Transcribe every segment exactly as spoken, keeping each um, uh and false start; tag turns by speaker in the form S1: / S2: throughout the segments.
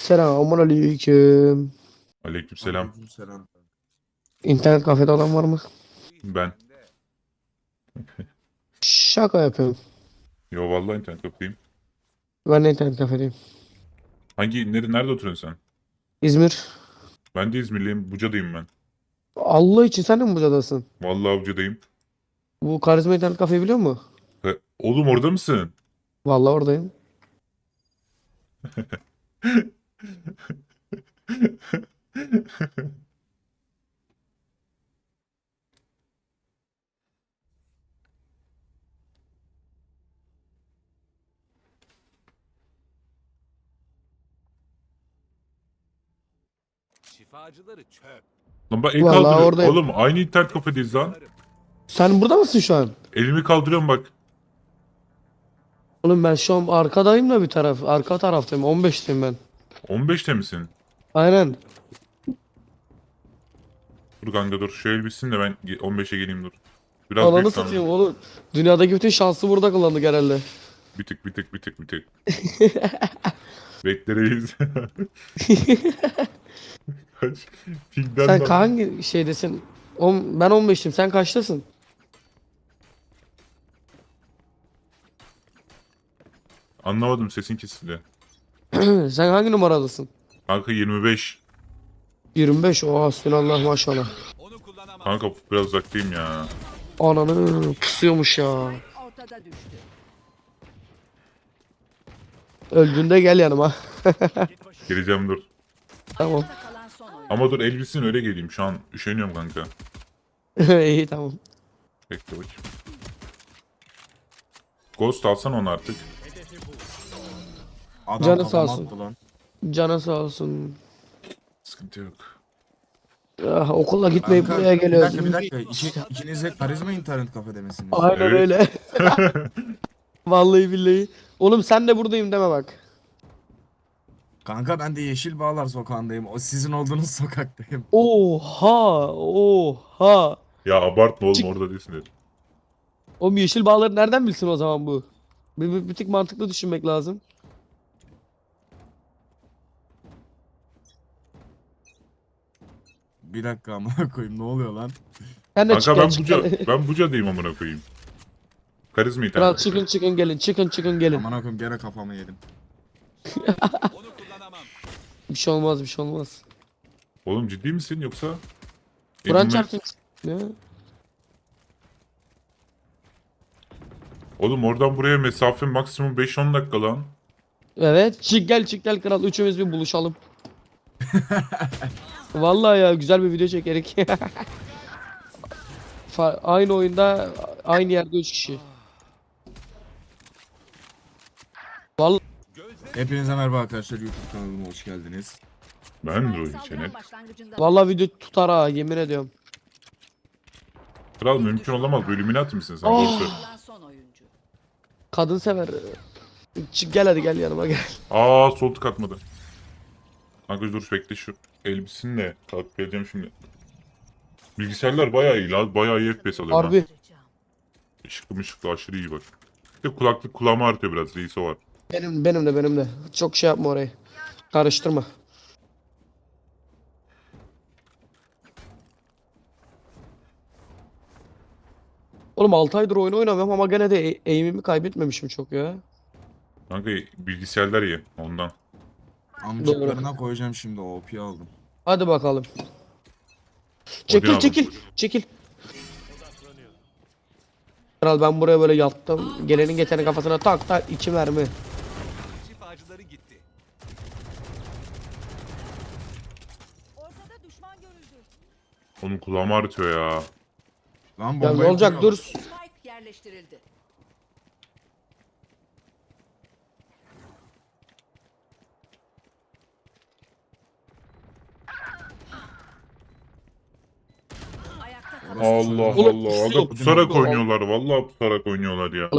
S1: Selamun aleyküm.
S2: Aleykümselam.
S3: Aleykümselam.
S1: İnternet kafede olan var mı?
S2: Ben.
S1: Şaka yapıyorum.
S2: Yo vallahi internet kafedeyim.
S1: Ben de internet kafedeyim.
S2: Hangi nere, nerede oturuyorsun sen?
S1: İzmir.
S2: Ben de İzmirliyim. Buca'dayım ben.
S1: Allah için sen de mi Buca'dasın?
S2: Vallahi Buca'dayım.
S1: Bu karizma internet kafeyi biliyor musun?
S2: He, oğlum orada mısın?
S1: Vallahi oradayım.
S4: Şifacıları çöp.
S2: Lan bak el
S1: Vallahi
S2: kaldırıyor.
S1: oradayım.
S2: Oğlum aynı internet kafedeyiz lan.
S1: Sen burada mısın şu an?
S2: Elimi kaldırıyorum bak.
S1: Oğlum ben şu an arkadayım da bir taraf. Arka taraftayım. on beşteyim ben.
S2: on beşte misin?
S1: Aynen.
S2: Dur kanka dur. Şu el bitsin de ben ge- on beşe geleyim dur. Biraz
S1: Ananı
S2: büyük
S1: satayım
S2: sandım.
S1: oğlum. Dünyadaki bütün şansı burada kullandık herhalde.
S2: Bir tık bir tık bir tık bir tık. Bekleriz. Kaç? Pingden
S1: Sen
S2: de-
S1: hangi şeydesin? On, ben on beştim. Sen kaçtasın?
S2: Anlamadım, sesin kesildi.
S1: Sen hangi numaradasın?
S2: Kanka yirmi beş.
S1: yirmi beş. Oha hasbinallah maşallah.
S4: Onu kullanamam.
S2: Kanka biraz uzaktayım ya.
S1: Ananı pusuyormuş ya.
S5: Ortada düştü.
S1: Öldüğünde gel yanıma.
S2: Geleceğim dur.
S1: Tamam.
S5: Ayakta kalan son oyun.
S2: Ama dur el bitsin öyle geleyim. Şu an üşeniyorum kanka.
S1: İyi tamam.
S2: Bekle bakayım. Ghost alsan onu artık.
S3: Adam
S1: Canı sağ
S3: kafama
S1: olsun.
S3: attı lan.
S1: Canı sağ olsun.
S2: Sıkıntı yok.
S1: Ah, okula gitmeyip
S3: Kanka,
S1: buraya
S3: bir
S1: geliyoruz.
S3: dakika bir dakika. İki, ikiniz de karizma internet kafede misiniz?
S1: Aynen
S2: Evet.
S1: öyle. Vallahi billahi. Oğlum sen de buradayım deme bak.
S3: Kanka ben de Yeşil Bağlar sokağındayım. O sizin olduğunuz sokaktayım.
S1: Oha, oha.
S2: Ya abartma oğlum,
S1: Çık.
S2: orada değilsin dedim.
S1: Oğlum yeşil bağları nereden bilsin o zaman bu? Bir, bir, bir tık mantıklı düşünmek lazım.
S3: Bir dakika amına koyayım ne oluyor lan?
S1: Sen de
S2: Kanka
S1: çık
S2: ben
S1: gel, çık
S2: Buca,
S1: gel.
S2: ben Buca'dayım amına koyayım. Karizma
S1: Kral
S2: internet.
S1: çıkın çıkın gelin, çıkın çıkın gelin.
S3: Amına koyayım gene kafamı yedim.
S4: Onu kullanamam.
S1: Bir şey olmaz, bir şey olmaz.
S2: Oğlum ciddi misin yoksa?
S1: Kur'an
S2: Elime-
S1: çarpsın. Ne?
S2: Oğlum oradan buraya mesafe maksimum beş on dakika lan.
S1: Evet, çık gel, çık gel kral. Üçümüz bir buluşalım. Vallahi ya güzel bir video çekerek. Fa- aynı oyunda, aynı yerde üç kişi.
S3: Hepinize merhaba arkadaşlar, YouTube kanalıma hoş geldiniz.
S2: Ben de
S5: Spike
S2: o
S5: saldıran
S2: içenek.
S5: başlangıcında
S1: Vallahi video tutar ha, yemin ediyorum.
S2: Kral mümkün olamaz. Bu Illuminati misin sen?
S1: Oh.
S2: Doğru söyle.
S5: kalan son oyuncu.
S1: Kadın sever. Çık gel hadi gel yanıma gel.
S2: Aa sol tık atmadı. Kanka dur bekle şu elbisin de kalkıp geleceğim şimdi. Bilgisayarlar bayağı iyi lan. Bayağı iyi F P S alıyorum.
S1: Harbi.
S2: Işıklı mışıklı aşırı iyi bak. Bir de kulaklık kulağıma artıyor biraz. Reis o var.
S1: Benim benim de benim de. Çok şey yapma orayı. Karıştırma. Oğlum altı aydır oyun oynamıyorum ama gene de e- aim'imi kaybetmemişim çok ya.
S2: Kanka bilgisayarlar iyi ondan.
S3: Amcıklarına koyacağım şimdi, O P'yi aldım.
S1: Hadi bakalım. Çekil
S2: aldım.
S1: çekil çekil. Kral ben buraya böyle yattım. Gelenin geçenin kafasına tak tak iki mermi.
S4: Şifacıları gitti.
S5: Ortada düşman görüldü.
S2: Onun kulağıma artıyor ya.
S3: Lan
S1: Ya ne
S3: bombayı
S1: olacak
S3: kuruyorlar.
S1: dur.
S5: Spike yerleştirildi. Ayakta kalan
S2: Allah
S1: Oğlum,
S2: Allah. Aga
S1: pusuyor.
S2: pusarak oynuyorlar. Vallahi pusarak oynuyorlar ya.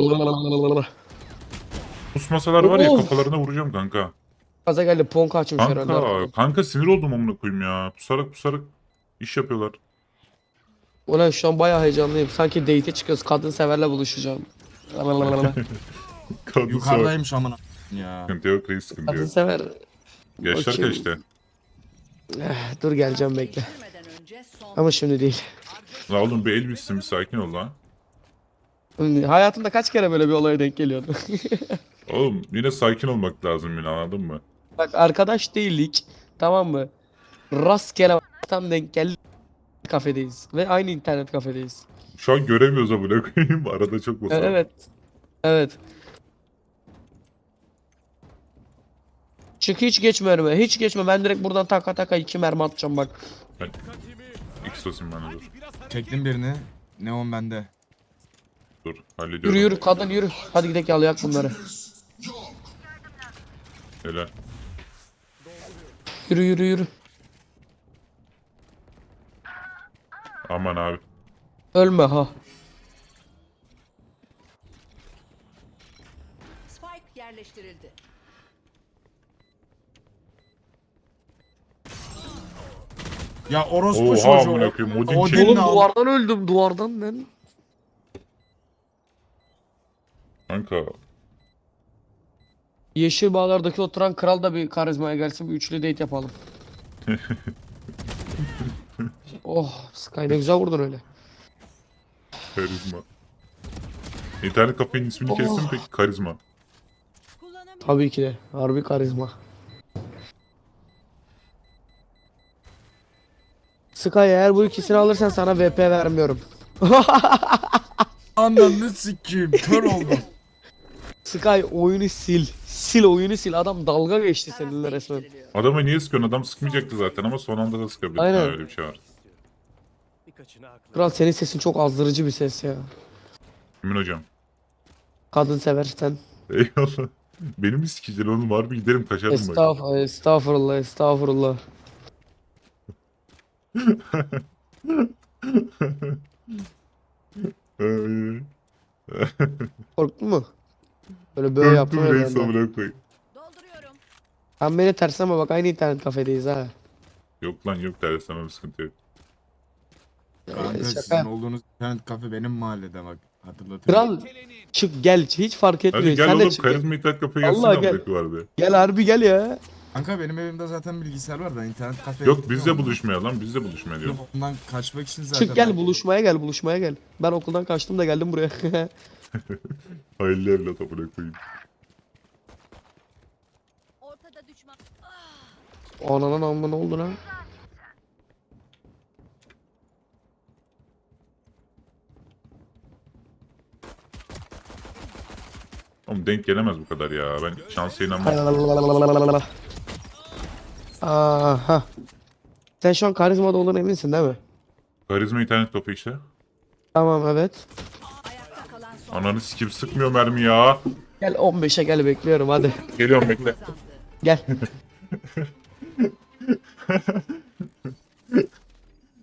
S2: Pusmasalar var ya
S1: Of.
S2: kafalarına vuracağım kanka.
S1: Gaza geldi ponka açmış herhalde.
S2: Kanka, kanka sinir oldum amına koyayım ya. Pusarak pusarak iş yapıyorlar.
S1: Ulan şu an bayağı heyecanlıyım. Sanki date'e çıkıyoruz. Kadın severle buluşacağım.
S2: Kadın sor.
S3: Yukarıdaymış amına ya.
S2: Sıkıntı yok reis, sıkıntı
S1: Kadın
S2: yok.
S1: sever.
S2: Yaşlar
S1: Bakayım.
S2: kaçtı.
S1: Eh, dur geleceğim bekle.
S5: Değiştirmeden önce son
S1: Ama şimdi değil.
S2: La oğlum bir el bitsin bir sakin ol lan.
S1: Hayatımda kaç kere böyle bir olaya denk geliyordu.
S2: Oğlum yine sakin olmak lazım yine anladın mı?
S1: Bak arkadaş değildik. Tamam mı? Rastgele tam denk geldi. Kafedeyiz. Ve aynı internet kafedeyiz.
S2: Şu an göremiyoruz amına koyayım. Arada çok
S1: E,
S2: basalım.
S1: Evet. Evet. Çık hiç geçme önüme. Hiç geçme. Ben direkt buradan taka taka iki mermi atacağım bak.
S2: X basayım bana dur.
S4: Biraz hareket.
S3: Çektim birini. Neon bende.
S2: Dur hallediyorum.
S1: Yürü yürü kadın yürü. Hadi gidelim yalayak bunları.
S2: Helal.
S1: Yürü yürü yürü.
S2: Aman abi.
S1: Ölme ha.
S5: Spike yerleştirildi.
S3: Ya orospu
S2: Oha
S3: çocuğu.
S2: amına koyayım. Odin
S3: Odin
S2: çek.
S1: Oğlum
S3: ne al-
S1: duvardan öldüm duvardan ben.
S2: Kanka.
S1: Yeşil bağlardaki oturan kral da bir karizmaya gelsin bir üçlü date yapalım. Oh Sky ne güzel vurdun öyle.
S2: Karizma. İnternet kafenin ismini
S1: Oh.
S2: kestin peki karizma.
S1: Tabii ki de harbi karizma. Sky eğer bu ikisini alırsan sana V P vermiyorum.
S3: Ananı sikeyim. Kör oldum.
S1: Sky oyunu sil. Sil oyunu sil. Adam dalga geçti
S5: Taraf
S1: seninle resmen.
S5: değiştiriliyor.
S2: Adama niye sıkıyorsun? Adam sıkmayacaktı zaten ama son anda da sıkabilir.
S1: Aynen.
S2: Ha, öyle bir şey var.
S1: Kral senin sesin çok azdırıcı bir ses ya.
S2: Emin hocam.
S1: Kadın seversen.
S2: Eyvallah. Benim mi sikeceksin oğlum? Harbi giderim kaçarım bak.
S1: Estağfurullah, estağfurullah, estağfurullah.
S2: Ay.
S1: Korktun mu? Böyle böyle yaptım
S2: Korktum
S1: ya
S2: reis
S1: ben de.
S2: amına koyayım.
S5: Dolduruyorum.
S1: Sen beni ters ama bak aynı internet kafedeyiz ha.
S2: Yok lan yok ders sana bir sıkıntı yok.
S3: Kanka
S1: Ee,
S3: sizin
S1: şaka.
S3: olduğunuz internet kafe benim mahallede bak. Hatırlatayım.
S1: Kral çık gel hiç fark etmiyor.
S2: Hadi gel
S1: Sen de
S2: oğlum
S1: çık.
S2: karizma internet kafeye gelsin
S1: Vallahi
S2: amına
S1: gel.
S2: koyayım vardı.
S1: Gel harbi gel ya.
S3: Kanka benim evimde zaten bilgisayar var da internet kafeye
S2: Yok
S3: gitmiyorum.
S2: bizle buluşmaya lan bizle buluşmaya diyorum.
S3: Yok, ondan kaçmak için zaten.
S1: Çık gel
S3: ben-
S1: buluşmaya gel buluşmaya gel. Ben okuldan kaçtım da geldim buraya.
S2: Hayırlı evlat amına koyayım.
S5: Ortada düşman.
S1: Ananın amma ne oldu lan?
S2: Oğlum denk gelemez bu kadar ya. Ben şansa inanmam.
S1: Aha. Sen şu an karizmada olduğuna eminsin değil mi?
S2: Karizma internet kafe işte.
S1: Tamam evet.
S5: Ayakta kalan son.
S2: Ananı sikim sıkmıyor mermi ya.
S1: Gel on beşe gel bekliyorum hadi.
S2: Geliyorum bekle.
S1: Gel.